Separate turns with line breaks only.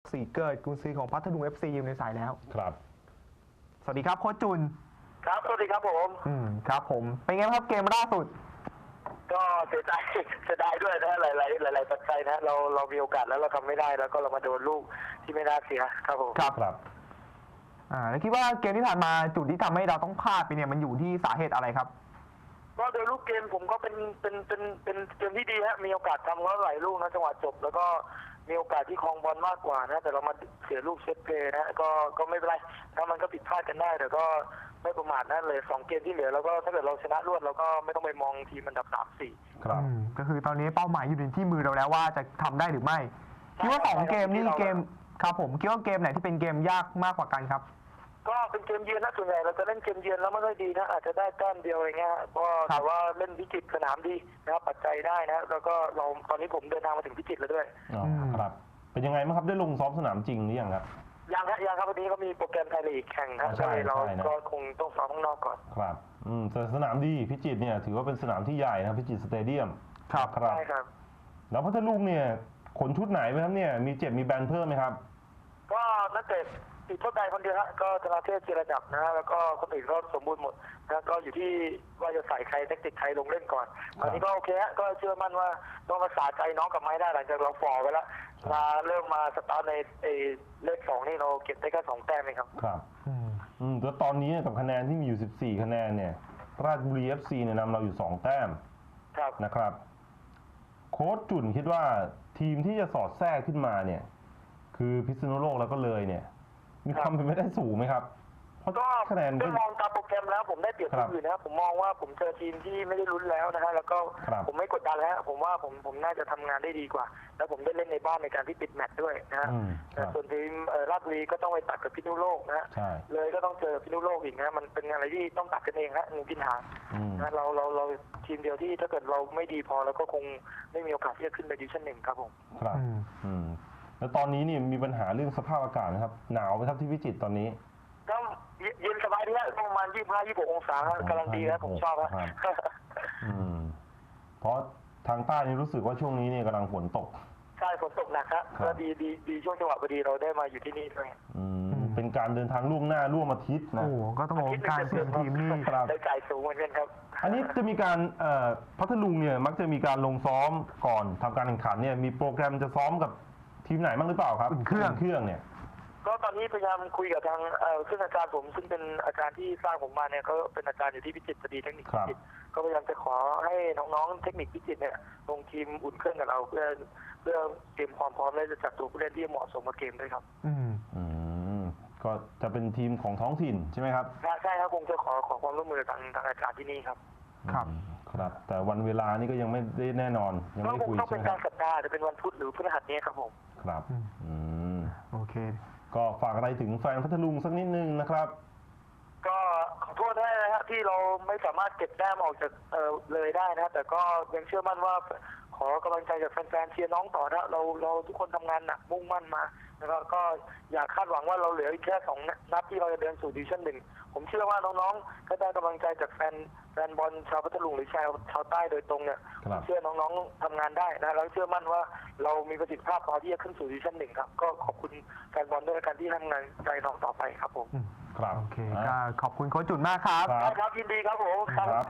สีเกิดกุนซือของพัทลุง FC อยู่ในสายแล้ว
ครับ
สวัสดีครับโค้ชจุน
ครับสวัสดีครับผม
ครับผมเป็นไงครับเกมล่าสุด
ก็เสียใจเสียดายด้วยนะหลายปัจจัยนะเรามีโอกาสแล้วเราทำไม่ได้แล้วก็เรามาโดนลูกที่ไม่น่าเสียครับผม
ครับแล้วคิดว่าเกมที่ผ่านมาจุดที่ทำให้เราต้องพลาดไปเนี่ยมันอยู่ที่สาเหตุอะไรครับ
ก็โดยลูกเกมผมก็เป็นเกมที่ดีฮะมีโอกาสทำก็หลายลูกนะจังหวะจบแล้วก็มีโอกาสที่ครองบอลมากกว่านะแต่เรามาเสียลูกเซตเพลย์นะก็ไม่เป็นไรถ้ามันก็ผิดพลาดกันได้แต่ก็ไม่ประมาทนั่นเลย2เกมที่เหลือแล้วก็ถ้าเกิดเราชนะรวดเราก็ไม่ต้องไปมองทีมอันดับ3-4
ครับ
ก็คือตอนนี้เป้าหมายอยู่ที่มือเราแล้วว่าจะทำได้หรือไม่คิดว่า2เกมนี่เกมครับผมคิดว่าเกมไหนที่เป็นเกมยากมากกว่ากันครับ
ก็เป็นเกมเยือนนะส่วนใหญ่เราจะเล่นเกมเยือนแล้วไม่ค่อยดีนะอาจจะได้แต้มเดียวอะไรเงี้ยก็แต่ว่าเล่นพิจิตรสนามดีนะครับปัจจัยได้นะแล้วก็เราตอนนี้ผมเดินทางมาถึงพิจิตรแล้วด้วย
ครับเป็นยังไงบ้างครับได้ลงซ้อมสนามจริงหรือยังครับ
ยังครับวันนี้ก็มีโปรแกรมไทยลีกแข่งนะเราก็คงต้องซ้อมข้างนอกก่อน
ครับแต่สนามดีพิจิตรเนี่ยถือว่าเป็นสนามที่ใหญ่นะพิจิตรสเตเดียม
ครับ
ใช่ครับ
แล้วพัทลุงเนี่ยขนชุดไหนไหมครับเนี่ยมีเจ็บมีแบนเพิ่มไหมครับ
ก็นักเตะติดโทษใดคนเดียวฮะก็ธนาเทพเจรจับนะแล้วก็คนอื่นก็สมบูรณ์หมดนะก็อยู่ที่ว่าจะใส่ใครเทคนิคใครลงเล่นก่อนตอนนี้ก็โอเคฮะก็เชื่อมั่นว่าต้องภาษาใจน้องกับไม้ได้หลังจากเราฟอร์ไปแล้วมาเริ่มมาสตาร์ทในเลข2นี่เราเก็บได้แค่2แต้มเองครับ
ครับแล้วตอนนี้กับคะแนนที่มีอยู่14คะแนนเนี่ยราชบุรี FC เนี่ยนำเราอยู่2แต้มนะครับโค้ชจุ่นคิดว่าทีมที่จะสอดแทรกขึ้นมาเนี่ยคือพิษณุโลกแล้วก็เลยเนี่ยมีความเป็นไปได้สูงไหมครับ
เพราะคะแนนก็มองตามโปรแกรมแล้วผมได้เปรียบทีมอื่นนะครับผมมองว่าผมเจอทีมที่ไม่ได้ลุ้นแล้วนะฮะแล้วก็ผมไม่กดดันแล้วผมว่าผมน่าจะทำงานได้ดีกว่าแล้วผมได้เล่นในบ้านในการที่ปิดแมตช์ด้วยนะฮะส่วนทีมราชบุรีก็ต้องไปตัดกับพิษณุโลกนะฮะเลยก็ต้องเจอพิษณุโลกอีกนะมันเป็นอะไรที่ต้องตัดกันเองฮะงูกินหางนะเราทีมเดียวที่ถ้าเกิดเราไม่ดีพอเราก็คงไม่มีโอกาสที่จะขึ้นไปดิวิชั่น1ครับผม
ครับแล้วตอนนี้นี่มีปัญหาเรื่องสภาพอากาศนะครับหนาวไหมครับที่พิจิตรตอนนี้
ก็เย็นสบายดีฮะประมาณ25-26องศากำลังดีนะผมชอบฮะ
เพราะทางใต้นี่รู้สึกว่าช่วงนี้เนี่ยกำลังฝนตก
ใช่ฝนตกหนักครับก็ดีช่วงจังหวะพอดีเราได้มาอยู่ที่นี่ด้วย
เป็นการเดินทางล่วงหน้าร่วมอาทิตย์นะ
โอ้ก็ต้องบอกการเตรียมทีมนี่
ได้จ่ายสูงเหมือนกันครับ
อันนี้จะมีการพัทลุงเนี่ยมักจะมีการลงซ้อมก่อนทำการแข่งขันเนี่ยมีโปรแกรมจะซ้อมกับทีมไหนบ้างหรือเปล่าครับ
เครื่อง
เนี่ย
ก็ตอนนี้พยายามคุยกับทางซึ่งอาจารย์ผมซึ่งเป็นอาจารย์ที่สร้างผมมาเนี่ยเขาเป็นอาจารย์อยู่ที่พิจิตรพอดีเทคนิคพิจิตรก็พยายามจะขอให้น้องๆเทคนิคพิจิตรเนี่ยลงทีมอุ่นเครื่องกับเราเพื่อเตรียมความพร้อมและจะจัดตัวผู้เล่นที่เหมาะสมกับเกมด้วยครับ
ก็จะเป็นทีมของท้องถิ่นใช่ไหมครับ
ใช่ครับคงจะขอความร่วมมือทางอาจารย์ที่นี่ครับ
ครับแต่วันเวลานี่ก็ยังไม่ได้แน่นอนยังไม่คุยใช่ไหมครับ
ต้องเป็นการสัปดาห์จะเป็นวันพุธหรือพฤหัสนี้ครับผม
ครับ
โอเค
ก็ฝากอะไรถึงแฟนพัทลุงสักนิดนึงนะครับ
ก็ขอโทษด้วยนะครับที่เราไม่สามารถเก็บแต้มออกจากเลยได้นะแต่ก็ยังเชื่อมั่นว่าขอกำลังใจจากแฟนๆเชียร์น้องต่อนะเราทุกคนทำงานหนักมุ่งมั่นมาแล้วก็อยากคาดหวังว่าเราเหลืออีกแค่2 นัดที่เราจะเดินสู่ดิวิชั่น1ผมเชื่อว่าน้องๆก็ได้กำลังใจจากแฟนบอลชาวพัทลุงหรือชาวใต้โดยตรงเนี่ยผมเชื่อน้องๆทำงานได้นะแล้วเชื่อมั่นว่าเรามีประสิทธิภาพพอที่จะขึ้นสู่ดิวิชั่น1ครับก็ขอบคุณแฟนบอลด้วยการที่ทำงานใจน้องต่อไปครับผม
โอเคก็ขอบคุณโค้ชจุนมากครับ
ครับยินดีครับผมครับ